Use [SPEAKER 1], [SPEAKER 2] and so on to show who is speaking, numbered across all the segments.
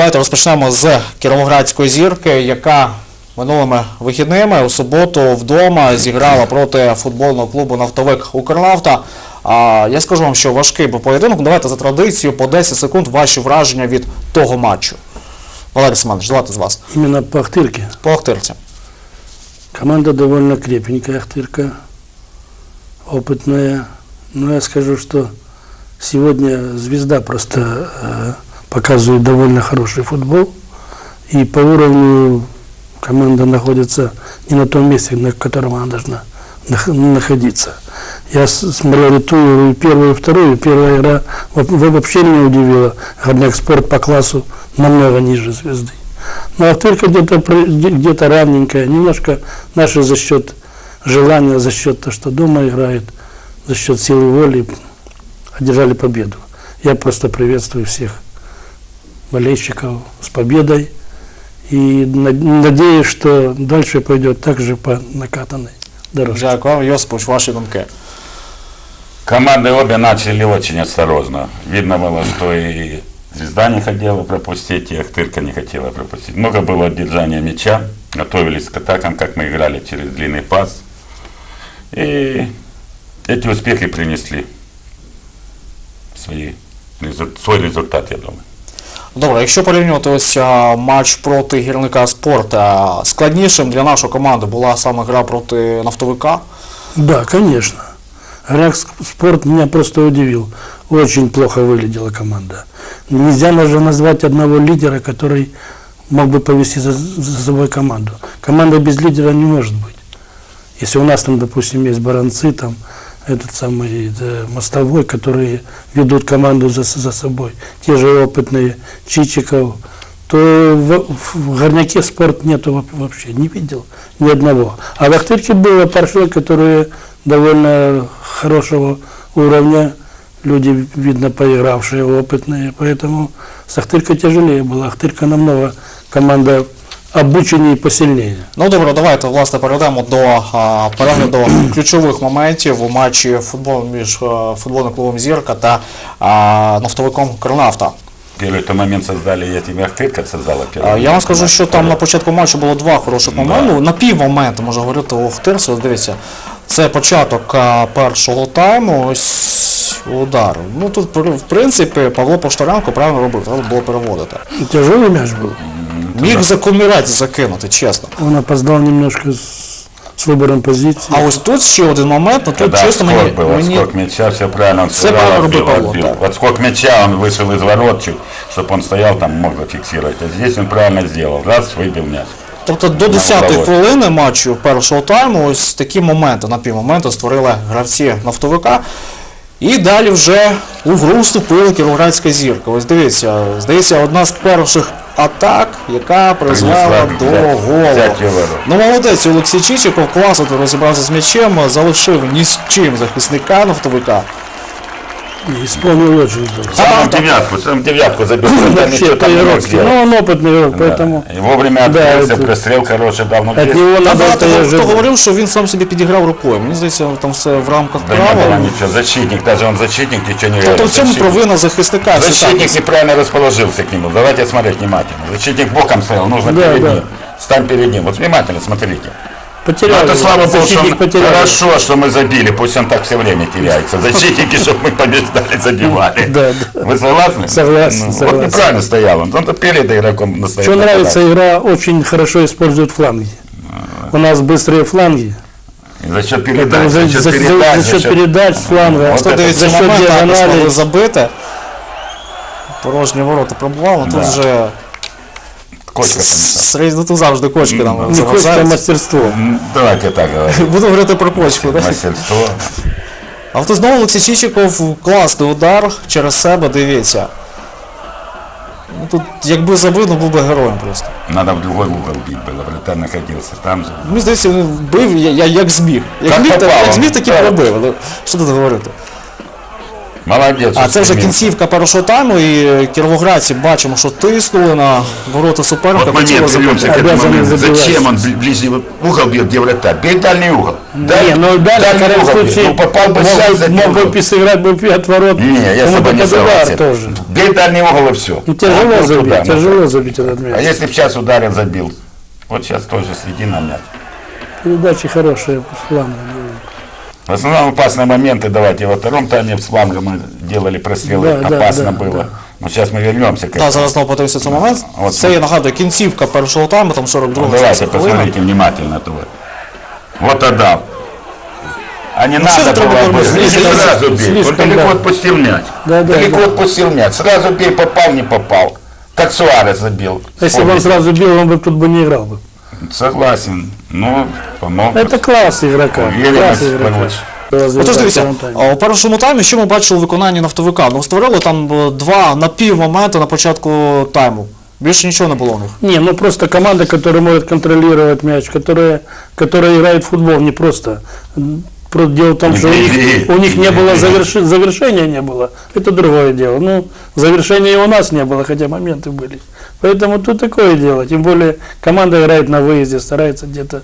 [SPEAKER 1] давайте розпочнемо з Кіровоградської зірки, яка минулими вихідними у суботу вдома зіграла проти футбольного клубу «Нафтовик Укрнафта». Я скажу вам, що важкий був поєдинок. Давайте за традицією по 10 секунд ваші враження від того матчу. Валерій Семенович, давайте з вас.
[SPEAKER 2] Именно по Ахтырке.
[SPEAKER 1] По Ахтирці.
[SPEAKER 2] Команда довольно крепенькая, Ахтырка, опытная. Но я скажу, что сегодня «Звезда» просто показывает довольно хороший футбол. И по уровню команда находится не на том месте, на котором она должна находиться. Я смотрел и ту, и первую, и вторую. Первая игра вообще меня удивила. Горняк Спорт по классу намного ниже «Звезды». Но Ахтырка где-то равненькая. Немножко наши за счет желания, за счет того, что дома играет, за счет силы воли одержали победу. Я просто приветствую всех болельщиков с победой. И надеюсь, что дальше пойдет так же по накатанной дорожке.
[SPEAKER 1] Дякую. Йосипович, ваші думки.
[SPEAKER 3] Команды обе начали очень осторожно. Видно было, что и «Звезда» не хотела пропустить, и «Ахтырка» не хотела пропустить. Много было отдержания мяча, готовились к атакам, как мы играли через длинный пас. И эти успехи принесли свой результат, я думаю.
[SPEAKER 1] Добре, якщо порівнювати ось матч проти гірника «Спорт», складнішим для нашої команди була саме гра проти «Нафтовика»?
[SPEAKER 2] Да, конечно. Горняк Спорт меня просто удивил. Очень плохо выглядела команда. Нельзя даже назвать одного лидера, который мог бы повести за собой команду. Команда без лидера не может быть. Если у нас там, допустим, есть баранцы, там, этот самый Мостовой, которые ведут команду за собой, те же опытные Чичиков, то в Горняке Спорт нету вообще, не видел ни одного. А в Ахтырке было парши, которые довольно хорошего уровня, люди, видно, поигравшие, опытные, поэтому с Ахтыркой тяжелее было. Ахтырка намного команда обученнее і посильніше.
[SPEAKER 1] Ну добре, давайте власне перейдемо до перегляду ключових моментів у матчі між футбольним клубом «Зірка» та «Нафтовиком Укрнафта».
[SPEAKER 3] Первый момент создали, я тебе Ахтырка создала первый.
[SPEAKER 1] Я вам скажу, що там на початку матчу було два хороших моменти. Да. На півмоменту, можна говорити, у Ахтирці. Ось дивіться, це початок першого тайму, ось удар. Ну тут, в принципі, Павло Поштаренко правильно робив, треба було переводити.
[SPEAKER 2] Тяжелый мяч был.
[SPEAKER 1] Міг за комірець закинути, чесно.
[SPEAKER 2] Он опоздал немножко с выбором позиции.
[SPEAKER 1] А ось тут ще один момент, но тут чесно мені...
[SPEAKER 3] Отскок мяча, все правильно, он
[SPEAKER 1] все отбил.
[SPEAKER 3] Отскок мяча, он вышел из ворот чуть, чтобы он стоял там, мог зафиксировать. А здесь он правильно сделал, раз, выбил мяч.
[SPEAKER 1] Тобто до 10-ї хвилини матчу першого тайму ось такі моменти, на півмоменту створили гравці «Нафтовика». І далі вже у гру вступила Кіровоградська зірка. Ось дивіться, здається, одна з перших атак, яка призвела до голу. Ну молодець, Олексій Чичиков класно розібрався з м'ячем, залишив ні з чим захисника «Нафтовика».
[SPEAKER 2] Исполнил очень здорово.
[SPEAKER 3] Сам девятку забил.
[SPEAKER 2] Ну, он опытный игрок, поэтому...
[SPEAKER 3] И вовремя открылся, прострел хороший дал.
[SPEAKER 1] Хто говорив, що він сам собі підіграв рукою. Мені здається, там все в рамках
[SPEAKER 3] права. Ничего, защитник, даже он защитник, ничего не говорит.
[SPEAKER 1] Тобто в цьому провина захисника.
[SPEAKER 3] Защитник неправильно расположился к нему. Давайте смотреть внимательно. Защитник боком стоял, нужно перед ним. Стань перед ним. Вот внимательно смотрите.
[SPEAKER 2] Потерял.
[SPEAKER 3] Это слава Богу, что хорошо, что мы забили, пусть он так все время теряется. Защитники, чтобы мы побеждали, забивали.
[SPEAKER 2] Да.
[SPEAKER 3] Вы согласны?
[SPEAKER 2] Согласен.
[SPEAKER 3] Вот неправильно стоял он. Он перед игроком настоял.
[SPEAKER 2] Что нравится, игра очень хорошо использует фланги. У нас быстрые фланги.
[SPEAKER 3] И за счет передач.
[SPEAKER 2] За счет передач с фланга.
[SPEAKER 1] Вот это за счет диагонали забито. Порожні ворота пробували, тут вже...
[SPEAKER 3] Кочка
[SPEAKER 1] там. Тут завжди кочки там.
[SPEAKER 2] Не кочка, а мастерство.
[SPEAKER 3] Давайте так говорим.
[SPEAKER 1] Буду говорити про кочку.
[SPEAKER 3] Мастерство.
[SPEAKER 1] А тут знову Олексій Чичиков, класний удар через себе, дивіться. Тут якби забив, був би героєм просто.
[SPEAKER 3] Надо в другой угол бить было, вратарь находился там же.
[SPEAKER 1] Мені здається, він бив як зміг. Як зміг, так і пробив. Що тут говорити?
[SPEAKER 3] Молодец.
[SPEAKER 1] А це вже
[SPEAKER 3] устремился.
[SPEAKER 1] кінцівка першого тайму, і кіровоградці бачимо, що тиснули на ворота суперника.
[SPEAKER 3] Вот момент,
[SPEAKER 1] хотіли забити.
[SPEAKER 3] вернемся к этому
[SPEAKER 2] Обязаны
[SPEAKER 3] моменту.
[SPEAKER 2] забивать.
[SPEAKER 3] Зачем он ближний угол бьет, где вратарь? Бей дальний угол.
[SPEAKER 2] Ну, дальше, в крайнем случае,
[SPEAKER 3] Ну, попал бы
[SPEAKER 2] мог
[SPEAKER 3] сейчас
[SPEAKER 2] бы-
[SPEAKER 3] за
[SPEAKER 2] мог бы
[SPEAKER 3] угол.
[SPEAKER 2] сыграть бы от ворот.
[SPEAKER 3] Не, я с
[SPEAKER 2] кому-то
[SPEAKER 3] тобой не
[SPEAKER 2] под удар
[SPEAKER 3] согласен.
[SPEAKER 2] тоже.
[SPEAKER 3] Бей дальний угол и все.
[SPEAKER 2] Ну, тяжело забить, тяжело забить этот
[SPEAKER 3] А
[SPEAKER 2] мяч.
[SPEAKER 3] если бы сейчас ударил, забил? Вот сейчас тоже следи на мяч.
[SPEAKER 2] Передачи хорошие, плавно.
[SPEAKER 3] В основном опасные моменты, давайте, во втором тайме с фланга мы делали прострелы,
[SPEAKER 2] Да,
[SPEAKER 3] опасно
[SPEAKER 2] да,
[SPEAKER 3] было.
[SPEAKER 2] да.
[SPEAKER 3] Но сейчас мы вернемся к
[SPEAKER 1] Так,
[SPEAKER 3] этому.
[SPEAKER 1] зараз знову подивимося цей момент.
[SPEAKER 3] От.
[SPEAKER 1] Це, я нагадую, кінцівка першого тайму, там 42
[SPEAKER 3] Ну, давайте, посмотрите внимательно. То. Вот отдал. А не
[SPEAKER 1] что
[SPEAKER 3] надо
[SPEAKER 1] ты
[SPEAKER 3] было
[SPEAKER 1] трудно
[SPEAKER 3] бы.
[SPEAKER 1] слишком-
[SPEAKER 3] Не сразу бей. Он
[SPEAKER 2] слишком,
[SPEAKER 3] далеко
[SPEAKER 2] да.
[SPEAKER 3] отпустил мяч.
[SPEAKER 2] Да, да,
[SPEAKER 3] Далеко
[SPEAKER 2] да.
[SPEAKER 3] отпустил мяч. Сразу бей, попал, не попал. Как Суарес забил.
[SPEAKER 2] Если бы он
[SPEAKER 3] Вспомните.
[SPEAKER 2] сразу бил, он бы тут бы не играл бы.
[SPEAKER 3] Согласен. Ну, помог.
[SPEAKER 2] Это класс игрока.
[SPEAKER 3] Уверенность
[SPEAKER 2] Класс игрока.
[SPEAKER 3] получше.
[SPEAKER 1] Отож, дивіться,
[SPEAKER 2] Втором таймі.
[SPEAKER 1] у першому таймі, що ми бачили у виконанні нафтовика? Ну, створили там два напівмоменти на початку тайму. Більше нічого не було у них.
[SPEAKER 2] Не, ну просто команда, которая может контролировать мяч, которая играет в футбол, не просто. Дело в том,
[SPEAKER 3] Не
[SPEAKER 2] что
[SPEAKER 3] беги,
[SPEAKER 2] у них не
[SPEAKER 3] не
[SPEAKER 2] было
[SPEAKER 3] беги.
[SPEAKER 2] завершения не было. Это другое дело. Ну, завершения и у нас не было, хотя моменты были. Поэтому тут такое дело. Тем более команда играет на выезде, старается где-то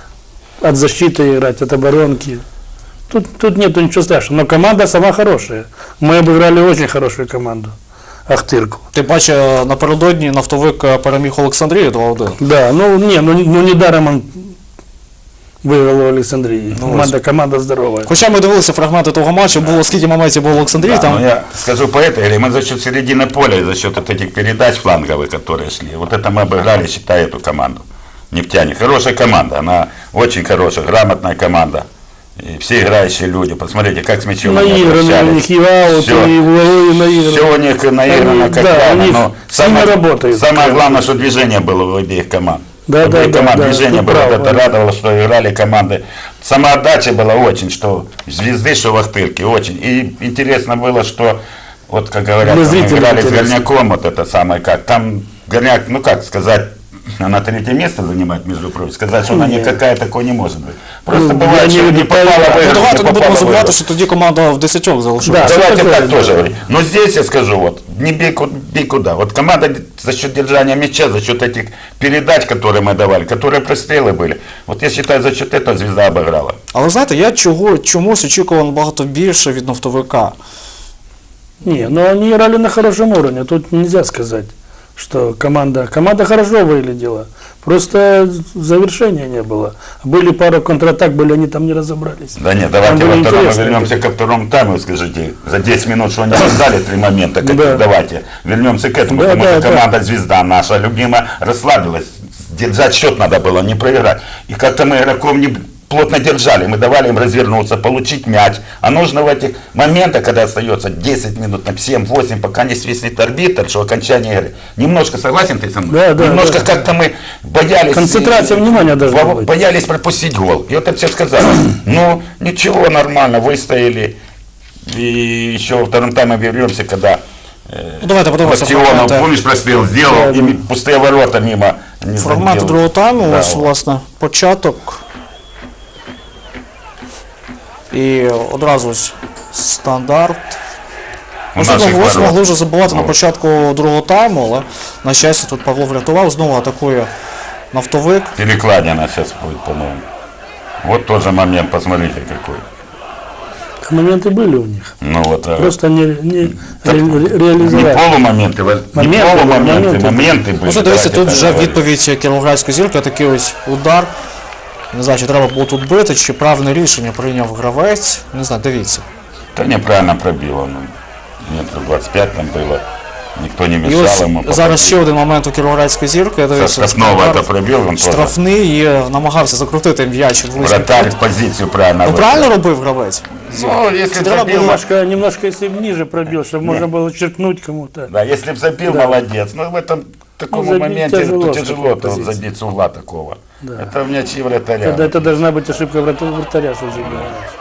[SPEAKER 2] от защиты играть, от оборонки. Тут нету ничего страшного. Но команда сама хорошая. Мы обыграли очень хорошую команду. Ахтырку.
[SPEAKER 1] Ти бачиш, напередодні нафтовик переміг Олександрію 2-1.
[SPEAKER 2] Да, ну недаром он выиграл у Александрии. Команда здоровая.
[SPEAKER 1] Хоча ми дивилися фрагменти того матчу, було скільки моментів було в Олександрії,
[SPEAKER 3] Да,
[SPEAKER 1] там
[SPEAKER 3] но я скажу по этой игре, мы за счет середины поля и за счет вот этих передач фланговых, которые шли, вот это мы обыграли, считай, эту команду. Нефтяник. Хорошая команда, она очень хорошая, грамотная команда. И все играющие люди, посмотрите, как с мячом они
[SPEAKER 2] Наиграны у них
[SPEAKER 3] обращались.
[SPEAKER 2] и в аут,
[SPEAKER 3] Всё.
[SPEAKER 2] и в угловые наиграны.
[SPEAKER 3] Все у них наиграно
[SPEAKER 2] Они,
[SPEAKER 3] как
[SPEAKER 2] да,
[SPEAKER 3] правильно,
[SPEAKER 2] у них
[SPEAKER 3] но
[SPEAKER 2] сильно работают.
[SPEAKER 3] самое главное, что движение было у обеих команд.
[SPEAKER 2] Да,
[SPEAKER 3] У обеих
[SPEAKER 2] да,
[SPEAKER 3] команд
[SPEAKER 2] да,
[SPEAKER 3] движение
[SPEAKER 2] ты
[SPEAKER 3] было,
[SPEAKER 2] прав,
[SPEAKER 3] вот это
[SPEAKER 2] Ваня.
[SPEAKER 3] радовало, что играли команды. Самоотдача была очень, что звезды, что в Ахтырке, очень. И интересно было, что, вот как говорят,
[SPEAKER 2] Для
[SPEAKER 3] мы
[SPEAKER 2] зрителей
[SPEAKER 3] играли с
[SPEAKER 2] интересно.
[SPEAKER 3] Горняком, вот это самое, как там Горняк, ну как сказать, она третье место занимает, между прочим. Сказать, что она
[SPEAKER 2] Нет.
[SPEAKER 3] никакая, такой не может быть. Просто
[SPEAKER 2] Ну,
[SPEAKER 3] бывает,
[SPEAKER 2] я
[SPEAKER 3] что
[SPEAKER 2] не
[SPEAKER 3] не попала в
[SPEAKER 1] ну,
[SPEAKER 3] игру,
[SPEAKER 1] давайте
[SPEAKER 3] не
[SPEAKER 1] не будемо
[SPEAKER 3] попала в
[SPEAKER 1] забувати,
[SPEAKER 3] игру.
[SPEAKER 1] що тоді команда в 10 залишилася.
[SPEAKER 2] Да.
[SPEAKER 3] Давайте
[SPEAKER 2] такое
[SPEAKER 3] так
[SPEAKER 2] дело.
[SPEAKER 3] тоже говорить. Но здесь я скажу, вот, не бей куда. Вот команда за счет держания мяча, за счет этих передач, которые мы давали, которые прострелы были, вот я считаю, за счет этого звезда обыграла.
[SPEAKER 1] Але знаєте, я чомусь очікував набагато більше від нафтовика.
[SPEAKER 2] Не, но они играли на хорошем уровне. Тут нельзя сказать, что команда хорошо выглядела. Просто завершения не было. Были пару контратак, они там не разобрались.
[SPEAKER 3] Да нет,
[SPEAKER 2] Там
[SPEAKER 3] давайте
[SPEAKER 2] было
[SPEAKER 3] во втором
[SPEAKER 2] интересно.
[SPEAKER 3] вернемся ко второму тайму, скажите, за 10 минут, что они создали 3 момента,
[SPEAKER 2] Да.
[SPEAKER 3] давайте вернемся к этому,
[SPEAKER 2] Да,
[SPEAKER 3] потому
[SPEAKER 2] да,
[SPEAKER 3] что
[SPEAKER 2] да.
[SPEAKER 3] команда звезда наша любимая расслабилась, держать счет надо было, не проиграть. И как-то мы игроков не плотно держали, мы давали им развернуться, получить мяч. А нужно в этих моментах, когда остается 10 минут, на 7-8, пока не свистнет арбитр, что окончание игры. Немножко, согласен ты со мной?
[SPEAKER 2] Да, да,
[SPEAKER 3] Немножко
[SPEAKER 2] да.
[SPEAKER 3] как-то мы боялись.
[SPEAKER 2] Концентрация внимания должна быть.
[SPEAKER 3] Боялись пропустить гол. И вот это все сказали. Ну, ничего, нормально, выстояли. И еще во втором тайме вернемся, когда
[SPEAKER 1] Ну, давайте подивимося
[SPEAKER 3] Бастионов,
[SPEAKER 1] фрагменти,
[SPEAKER 3] помнишь, прострел сделал,
[SPEAKER 2] Да,
[SPEAKER 3] и пустые ворота мимо не
[SPEAKER 1] фрагменти
[SPEAKER 3] задел.
[SPEAKER 1] другого тайму.
[SPEAKER 3] Да,
[SPEAKER 1] Ось,
[SPEAKER 3] вот.
[SPEAKER 1] власне, початок. І одразу ось стандарт.
[SPEAKER 3] У
[SPEAKER 1] Можливо,
[SPEAKER 3] наших
[SPEAKER 1] ось
[SPEAKER 3] ворот.
[SPEAKER 1] могли вже забувати на
[SPEAKER 3] От.
[SPEAKER 1] початку другого тайму, але на щастя тут Павло врятував, знову атакує нафтовик.
[SPEAKER 3] Перекладина сейчас будет, по-моему. Вот тоже момент, посмотрите какой.
[SPEAKER 2] Моменты были у них.
[SPEAKER 3] Ну вот,
[SPEAKER 2] Просто не
[SPEAKER 3] не
[SPEAKER 2] реализовали.
[SPEAKER 3] полумоменты, не
[SPEAKER 2] Моменты,
[SPEAKER 3] полумоменты,
[SPEAKER 2] моменты.
[SPEAKER 3] моменты были.
[SPEAKER 1] Ну, що дивіться,
[SPEAKER 3] давайте
[SPEAKER 1] тут
[SPEAKER 3] так
[SPEAKER 1] вже
[SPEAKER 3] говорить.
[SPEAKER 1] відповідь Кіровоградської зірки, такий ось удар. Не знаю, чи треба було тут бити, чи правильне рішення прийняв гравець. Не знаю, дивіться.
[SPEAKER 3] Да неправильно пробило. Ну, метров 25 там было. Никто не
[SPEAKER 1] І
[SPEAKER 3] мешал
[SPEAKER 1] ось
[SPEAKER 3] ему.
[SPEAKER 1] зараз ще один момент у Кіровоградської зірки.
[SPEAKER 3] Со
[SPEAKER 1] Дивіться,
[SPEAKER 3] штрафного
[SPEAKER 1] стандарт.
[SPEAKER 3] это пробил, он тоже.
[SPEAKER 1] Штрафний і намагався закрутити м'яч в ближній
[SPEAKER 3] Вратарь
[SPEAKER 1] кут.
[SPEAKER 3] позицию правильно
[SPEAKER 1] Ну
[SPEAKER 3] выбрал.
[SPEAKER 1] правильно робив гравець?
[SPEAKER 3] Ну, если б
[SPEAKER 1] Треба
[SPEAKER 3] забил,
[SPEAKER 1] було-
[SPEAKER 2] Немножко если бы ниже пробил, чтобы можно было черкнуть кому-то.
[SPEAKER 3] да, если б забил,
[SPEAKER 2] Да.
[SPEAKER 3] молодец. Но в этом таком
[SPEAKER 2] забить
[SPEAKER 3] моменте
[SPEAKER 2] тяжело с
[SPEAKER 3] тяжело
[SPEAKER 2] такой
[SPEAKER 3] то
[SPEAKER 2] позиции.
[SPEAKER 3] забить с угла такого.
[SPEAKER 2] Да.
[SPEAKER 3] Это в мячи вратаря.
[SPEAKER 2] Это должна быть ошибка вратаря, что забиваешь.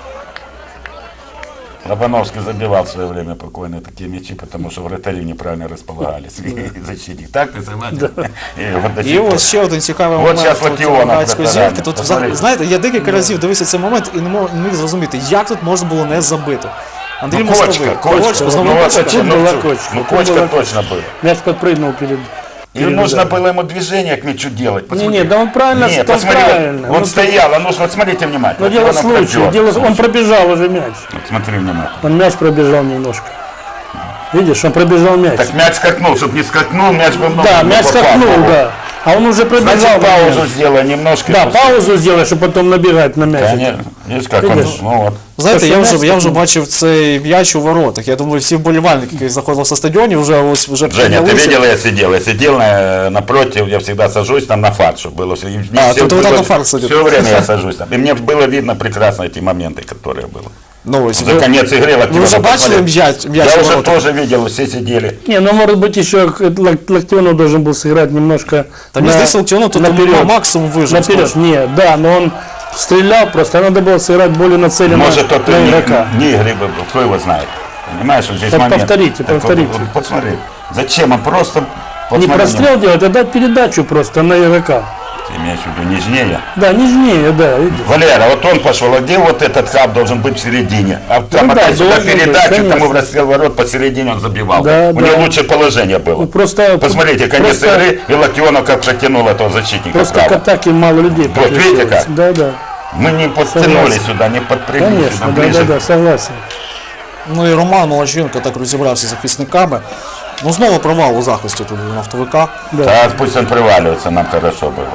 [SPEAKER 3] Лобановский забивал в свое время покойно такие мячи, потому что вратари неправильно располагались. Защитник. Так ты согласен? И вот до
[SPEAKER 1] І
[SPEAKER 3] сих пор.
[SPEAKER 1] ось ще один цікавий
[SPEAKER 3] От
[SPEAKER 1] момент
[SPEAKER 3] щас
[SPEAKER 1] у
[SPEAKER 3] Латіона
[SPEAKER 1] Кіровоградської
[SPEAKER 3] протирає.
[SPEAKER 1] зірки. Тут,
[SPEAKER 3] Посмотрите.
[SPEAKER 1] знаєте, я декілька разів дивився цей момент і не міг зрозуміти, як тут можна було не забити. Андрій
[SPEAKER 3] Ну,
[SPEAKER 1] Мостовий.
[SPEAKER 3] кочка.
[SPEAKER 1] Знову
[SPEAKER 3] Ну,
[SPEAKER 1] кочка.
[SPEAKER 2] Тут была кочка.
[SPEAKER 3] Ну,
[SPEAKER 2] Тут
[SPEAKER 3] кочка
[SPEAKER 2] была
[SPEAKER 3] точно был.
[SPEAKER 2] Мяч подпрыгнул перед...
[SPEAKER 3] И
[SPEAKER 2] перед
[SPEAKER 3] нужно
[SPEAKER 2] ударом.
[SPEAKER 3] было ему движение к мячу делать. Посмотри.
[SPEAKER 2] Не, да он правильно,
[SPEAKER 3] Не,
[SPEAKER 2] он
[SPEAKER 3] посмотри,
[SPEAKER 2] правильно.
[SPEAKER 3] он
[SPEAKER 2] Ну,
[SPEAKER 3] стоял, вот смотрите внимательно.
[SPEAKER 2] Но дело
[SPEAKER 3] Вот он
[SPEAKER 2] случая.
[SPEAKER 3] пробежал.
[SPEAKER 2] Он пробежал уже мяч.
[SPEAKER 3] Вот смотри внимательно.
[SPEAKER 2] Он мяч пробежал немножко. Видишь, он пробежал мяч.
[SPEAKER 3] Так мяч скакнул, чтобы не скакнул, мяч бы много
[SPEAKER 2] Да,
[SPEAKER 3] не
[SPEAKER 2] мяч
[SPEAKER 3] попал в
[SPEAKER 2] скакнул,
[SPEAKER 3] его.
[SPEAKER 2] да. А он уже пробежал.
[SPEAKER 3] Значит,
[SPEAKER 2] на
[SPEAKER 3] паузу
[SPEAKER 2] мяч.
[SPEAKER 3] сделай немножко.
[SPEAKER 2] Да,
[SPEAKER 3] после-
[SPEAKER 2] паузу сделай, чтобы потом набегать на мяч.
[SPEAKER 3] Конечно. Видишь, как он,
[SPEAKER 2] Видишь?
[SPEAKER 3] ну вот.
[SPEAKER 1] Знаєте, я
[SPEAKER 2] Перший
[SPEAKER 1] вже,
[SPEAKER 2] м'яч
[SPEAKER 1] я вже
[SPEAKER 2] такий.
[SPEAKER 1] бачив цей м'яч у воротах. Я думаю, всі вболівальники, які заходили на стадіоні, вже
[SPEAKER 3] Женя, ты
[SPEAKER 1] піднялися.
[SPEAKER 3] видел, я сидел напротив, я всегда сажусь там на фарт, чтобы было все.
[SPEAKER 1] А, то ты вот так на фарт садишь.
[SPEAKER 3] Все время я сажусь там. И мне было видно прекрасно эти моменты, которые было.
[SPEAKER 1] Ну, ось
[SPEAKER 3] За конец игры
[SPEAKER 1] ви вже бачили м'яч
[SPEAKER 3] Я
[SPEAKER 1] у
[SPEAKER 3] уже
[SPEAKER 1] воротах?
[SPEAKER 3] тоже видел, все сидели.
[SPEAKER 2] Не, ну может быть еще Локтионов должен был сыграть немножко
[SPEAKER 1] Та мені здається, Локтіону тут
[SPEAKER 2] наперед.
[SPEAKER 1] максимум вижив.
[SPEAKER 2] Наперед, нет, да, но он стрелял, просто надо было сыграть более нацеленно
[SPEAKER 3] Может, тот
[SPEAKER 2] на
[SPEAKER 3] не
[SPEAKER 2] игрока.
[SPEAKER 3] игры был, кто его знает. Понимаешь, вот здесь
[SPEAKER 2] Так
[SPEAKER 3] момент.
[SPEAKER 2] повторите,
[SPEAKER 3] Так
[SPEAKER 2] повторите.
[SPEAKER 3] Вот, посмотри, зачем он просто...
[SPEAKER 2] Не
[SPEAKER 3] посмотри,
[SPEAKER 2] прострел делать, а дать передачу просто на игрока.
[SPEAKER 3] Ты имеешь в виду нежнее?
[SPEAKER 2] Да, нежнее, да, видишь.
[SPEAKER 3] Валера, вот он пошел, а где вот этот хаб должен быть в середине? А там
[SPEAKER 2] Ну да,
[SPEAKER 3] опять сюда
[SPEAKER 2] должен быть,
[SPEAKER 3] передачу,
[SPEAKER 2] конечно.
[SPEAKER 3] тому в расстрел ворот посередине он забивал.
[SPEAKER 2] Да,
[SPEAKER 3] У
[SPEAKER 2] да.
[SPEAKER 3] него лучшее положение было.
[SPEAKER 2] Ну, просто,
[SPEAKER 3] Посмотрите, конец
[SPEAKER 2] просто,
[SPEAKER 3] игры, и Локтионов как протянул этого защитника
[SPEAKER 2] просто к
[SPEAKER 3] вправо.
[SPEAKER 2] атаке мало людей
[SPEAKER 3] Вот, видите
[SPEAKER 2] подключилось.
[SPEAKER 3] как?
[SPEAKER 2] Да, да,
[SPEAKER 3] Мы не подтянули
[SPEAKER 2] Согласен.
[SPEAKER 3] сюда, не подпрыгнули
[SPEAKER 2] конечно,
[SPEAKER 3] сюда
[SPEAKER 2] да,
[SPEAKER 3] ближе.
[SPEAKER 2] да, да, согласен.
[SPEAKER 1] Ну і Роман Молодченко так розібрався з захисниками. Ну знову провал у захисті тут у нафтовика.
[SPEAKER 2] Да.
[SPEAKER 3] Да, пусть он приваливается, нам хорошо было.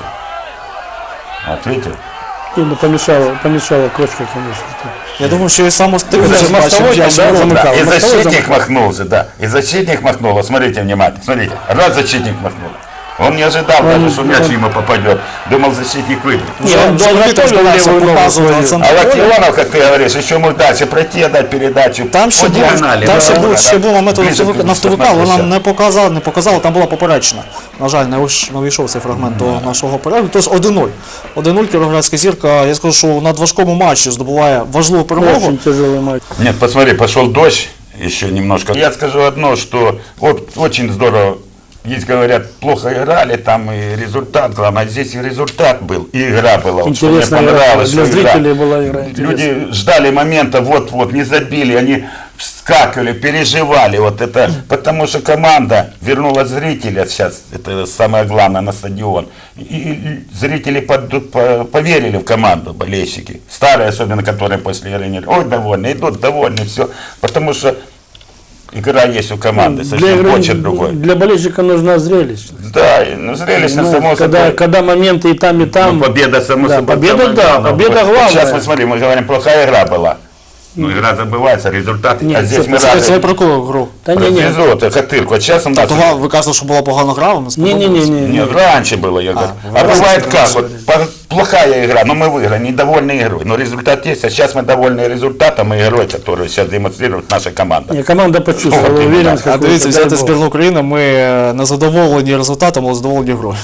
[SPEAKER 3] Вот видите?
[SPEAKER 2] И, ну, помешала кочка, конечно.
[SPEAKER 1] Я думаю, що і сам
[SPEAKER 2] Ну,
[SPEAKER 1] Острович
[SPEAKER 2] да,
[SPEAKER 1] бачив
[SPEAKER 2] Мостовой
[SPEAKER 1] м'яч
[SPEAKER 2] там,
[SPEAKER 1] у
[SPEAKER 2] да,
[SPEAKER 1] воротах.
[SPEAKER 3] Да, и
[SPEAKER 2] Мостовой
[SPEAKER 3] защитник
[SPEAKER 2] замыкал.
[SPEAKER 3] махнулся, да. И защитник махнул. Вот смотрите внимательно. Смотрите. Раз защитник махнул. Он не ожидал даже, что мяч ему попадет. Думал, защитник выиграет.
[SPEAKER 2] Не, он
[SPEAKER 1] Вже
[SPEAKER 2] готовил
[SPEAKER 1] Вітер
[SPEAKER 2] левую ногу
[SPEAKER 1] показував на
[SPEAKER 2] свою.
[SPEAKER 1] центр
[SPEAKER 3] А
[SPEAKER 1] поля.
[SPEAKER 3] Локтионов, как ты говоришь, еще мог дальше пройти, отдать передачу.
[SPEAKER 1] Там ще
[SPEAKER 3] по
[SPEAKER 1] був,
[SPEAKER 3] диагонали.
[SPEAKER 1] там
[SPEAKER 3] Да,
[SPEAKER 1] ще
[SPEAKER 3] да,
[SPEAKER 1] був момент у
[SPEAKER 3] ближе к
[SPEAKER 1] нафтовика, але
[SPEAKER 3] штрафной
[SPEAKER 1] нам не показали, там була поперечна. На жаль, не увійшов цей фрагмент до нашого перегляду. Тож 1-0. 1-0 Кіровоградська зірка, я скажу, що на важкому матчі здобуває важливу перемогу.
[SPEAKER 2] Очень тяжелый матч.
[SPEAKER 3] Нет, посмотри, пошел дождь еще немножко. Я скажу одно, что вот очень здорово. Есть, говорят, плохо играли, там и результат главное, а здесь и результат был, и игра была. Вот, что мне
[SPEAKER 2] Интересная игра.
[SPEAKER 3] понравилось,
[SPEAKER 2] Для
[SPEAKER 3] что игра.
[SPEAKER 2] зрителей была игра интересная.
[SPEAKER 3] Люди ждали момента, вот-вот, не забили, они вскакивали, переживали, вот это, потому что команда вернула зрителя сейчас, это самое главное, на стадион. И зрители поверили в команду, болельщики, старые особенно, которые после игры не ой, довольны, идут довольны, все, потому что игра есть у команды, совсем почерк другой.
[SPEAKER 2] Для болельщика нужна зрелищность.
[SPEAKER 3] Да, ну зрелищно,
[SPEAKER 2] Ну,
[SPEAKER 3] само
[SPEAKER 2] когда,
[SPEAKER 3] собой.
[SPEAKER 2] когда моменты и там,
[SPEAKER 3] Ну, победа, само
[SPEAKER 2] Да,
[SPEAKER 3] собой.
[SPEAKER 2] победа,
[SPEAKER 3] самое
[SPEAKER 2] да,
[SPEAKER 3] главное.
[SPEAKER 2] победа
[SPEAKER 3] Вот
[SPEAKER 2] главная.
[SPEAKER 3] сейчас мы смотрим, мы говорим, плохая игра была. Ну, игра забывается, результат.
[SPEAKER 2] Нет,
[SPEAKER 3] А здесь мы
[SPEAKER 1] Це
[SPEAKER 3] рады.
[SPEAKER 1] про яку гру?
[SPEAKER 2] Да не, не.
[SPEAKER 3] Эпизод, Хатырку. А сейчас у нас...
[SPEAKER 1] Тобто ви кажете, що була погана гра, вам не сподобалось?
[SPEAKER 2] Не.
[SPEAKER 3] Нет, раньше было, я говорю. А
[SPEAKER 1] раньше
[SPEAKER 3] бывает
[SPEAKER 1] было,
[SPEAKER 3] как?
[SPEAKER 1] раньше.
[SPEAKER 3] Вот, плохая игра, но мы выиграли, недовольны игрой. Но результат есть, а сейчас мы довольны результатом и игрой, которую сейчас демонстрирует наша команда.
[SPEAKER 2] Не, команда почувствовала
[SPEAKER 3] Вот именно.
[SPEAKER 2] уверенность.
[SPEAKER 1] А
[SPEAKER 2] какую-то,
[SPEAKER 1] дивіться,
[SPEAKER 2] дай
[SPEAKER 1] взяти
[SPEAKER 2] бог.
[SPEAKER 1] збірну України, ми не задоволені результатом, але задоволені грою.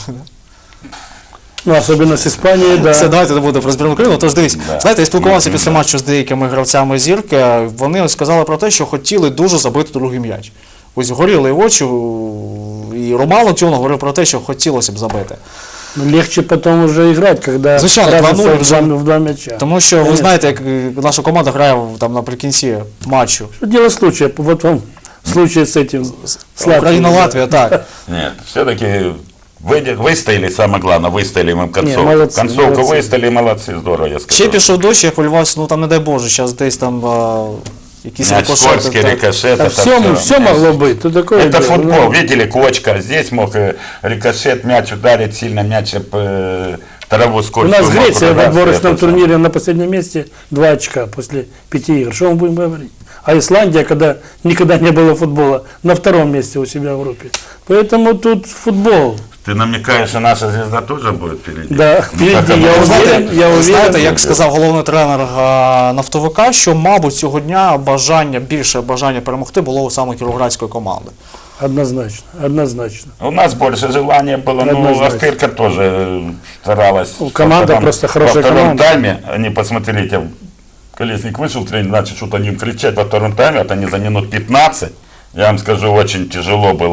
[SPEAKER 2] Ну, особенно с Испанией, да.
[SPEAKER 1] Це давайте не буде про збірну України. Тож дивіться, знаєте, я спілкувався після матчу з деякими гравцями зірки. Вони ось сказали про те, що хотіли дуже забити другий м'яч. Ось горіли очі, і Роман Локтіонов говорив про те, що хотілося б забити.
[SPEAKER 2] Ну, легче потом уже играть, когда
[SPEAKER 1] Звичайно,
[SPEAKER 2] разница
[SPEAKER 1] 2:0
[SPEAKER 2] в
[SPEAKER 1] вже.
[SPEAKER 2] в два мяча.
[SPEAKER 1] Тому що ви
[SPEAKER 2] Конечно.
[SPEAKER 1] знаєте, як наша команда грає там наприкінці матчу.
[SPEAKER 2] Что дело случая? Вот вам случай с этим. С Латвией.
[SPEAKER 1] Україна-Латвія, так.
[SPEAKER 3] Нет, все-таки выстояли, самое главное, выстояли мы в концовку.
[SPEAKER 2] молодцы,
[SPEAKER 3] Концовку
[SPEAKER 2] молодцы.
[SPEAKER 3] выстояли, молодцы, здорово, я
[SPEAKER 1] Ще
[SPEAKER 3] скажу.
[SPEAKER 1] пішов дощ, я полювався, ну там не дай Боже, зараз десь там якісь
[SPEAKER 3] Мяч
[SPEAKER 1] рикошети.
[SPEAKER 3] скользкий,
[SPEAKER 1] так.
[SPEAKER 3] рикошет.
[SPEAKER 2] Да
[SPEAKER 3] это
[SPEAKER 2] все могло быть. Тут такое
[SPEAKER 3] Это
[SPEAKER 2] дело,
[SPEAKER 3] футбол,
[SPEAKER 2] ну.
[SPEAKER 3] видели, кочка, здесь мог рикошет, мяч ударить сильно, мяч об траву
[SPEAKER 2] У
[SPEAKER 3] скользкую.
[SPEAKER 2] нас
[SPEAKER 3] мог
[SPEAKER 2] Греция в
[SPEAKER 3] удариться,
[SPEAKER 2] отборочном
[SPEAKER 3] это
[SPEAKER 2] турнире на последнем месте 2 очка после 5 игр. Что мы будем говорить? А Исландия, когда никогда не было футбола, на 2-м месте у себя в группе. Поэтому тут футбол.
[SPEAKER 3] Ты намекаешь, что наша звезда тоже будет впереди?
[SPEAKER 2] Да, впереди.
[SPEAKER 3] Потому
[SPEAKER 2] Я
[SPEAKER 3] что-
[SPEAKER 2] уверен, я
[SPEAKER 1] Ви знаєте,
[SPEAKER 2] уверен.
[SPEAKER 1] як сказав головний тренер нафтовика, що, мабуть, цього дня більше бажання перемогти було у саме кіровоградської команди.
[SPEAKER 2] Однозначно, однозначно.
[SPEAKER 3] У нас больше желания было, ну,
[SPEAKER 2] Однозначно.
[SPEAKER 3] Ахтырка тоже старалась.
[SPEAKER 2] Ну, команда просто хорошая
[SPEAKER 3] Во втором
[SPEAKER 2] команда.
[SPEAKER 3] тайме, они, посмотрите, Колесник вышел, тренер начал что-то ним кричать во втором тайме, вот они за минут 15, я вам скажу, очень тяжело было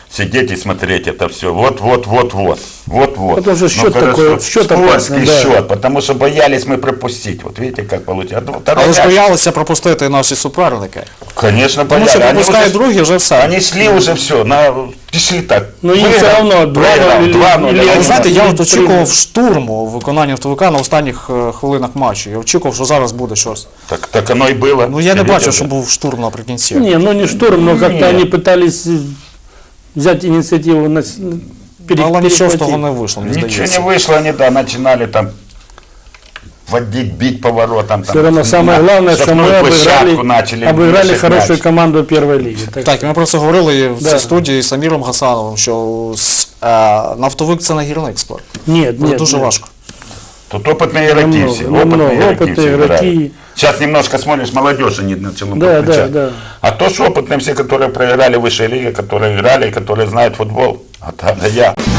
[SPEAKER 3] сидеть и смотреть это все. Вот.
[SPEAKER 2] Потому что счет
[SPEAKER 3] Ну, хорошо.
[SPEAKER 2] такой, счет
[SPEAKER 3] Скользкий
[SPEAKER 2] опасный, да.
[SPEAKER 3] счет, потому что боялись мы пропустить. Вот видите, как получается.
[SPEAKER 1] Але ж боялися пропустити і наші суперники.
[SPEAKER 3] Конечно,
[SPEAKER 1] Тому
[SPEAKER 3] боялись.
[SPEAKER 1] що
[SPEAKER 3] Они
[SPEAKER 1] пропускають
[SPEAKER 3] уже-
[SPEAKER 1] другі, вже все.
[SPEAKER 3] Они шли уже все, шли так.
[SPEAKER 2] Ну, им
[SPEAKER 3] Выиграл,
[SPEAKER 2] все равно 2-0
[SPEAKER 3] проиграл,
[SPEAKER 2] или-
[SPEAKER 3] 2-0.
[SPEAKER 2] или
[SPEAKER 1] Але
[SPEAKER 2] один.
[SPEAKER 1] знаєте, я от
[SPEAKER 2] Три-
[SPEAKER 1] очікував штурму у виконанні автовика на останніх хвилинах матчу. Я очікував, що зараз буде щось.
[SPEAKER 3] Так оно и было.
[SPEAKER 1] Ну я не
[SPEAKER 3] Ты
[SPEAKER 1] бачив,
[SPEAKER 3] видел,
[SPEAKER 1] що
[SPEAKER 3] да?
[SPEAKER 1] був штурм наприкінці.
[SPEAKER 2] Не, ну не штурм, но как-то
[SPEAKER 3] Нет.
[SPEAKER 2] они пытались взять инициативу на
[SPEAKER 1] Але нічого з того не вийшло, мені
[SPEAKER 3] Ничего
[SPEAKER 1] здається.
[SPEAKER 3] не вышло, они начинали там водить, бить поворотом.
[SPEAKER 2] Все равно самое главное, что мы
[SPEAKER 3] начали
[SPEAKER 2] обыграли
[SPEAKER 3] мешать
[SPEAKER 2] хорошую
[SPEAKER 3] мяч.
[SPEAKER 2] команду первой лиги.
[SPEAKER 1] Так, і ми про це говорили і в
[SPEAKER 2] Да.
[SPEAKER 1] цій студії з Аміром Гасановим, що нафтовик це не гірник спорт.
[SPEAKER 2] Нет,
[SPEAKER 1] Це
[SPEAKER 2] нет.
[SPEAKER 1] дуже
[SPEAKER 2] нет.
[SPEAKER 1] важко.
[SPEAKER 3] Тут опытные игроки
[SPEAKER 2] Намного,
[SPEAKER 3] все.
[SPEAKER 2] намного.
[SPEAKER 3] Опытные
[SPEAKER 2] Опытные игроки.
[SPEAKER 3] Сейчас немножко смотришь, молодежь они начала
[SPEAKER 2] Да,
[SPEAKER 3] подключать.
[SPEAKER 2] да.
[SPEAKER 3] А то, что опытные все, которые проиграли в высшей лиге, которые играли, которые знают футбол. А там, да я.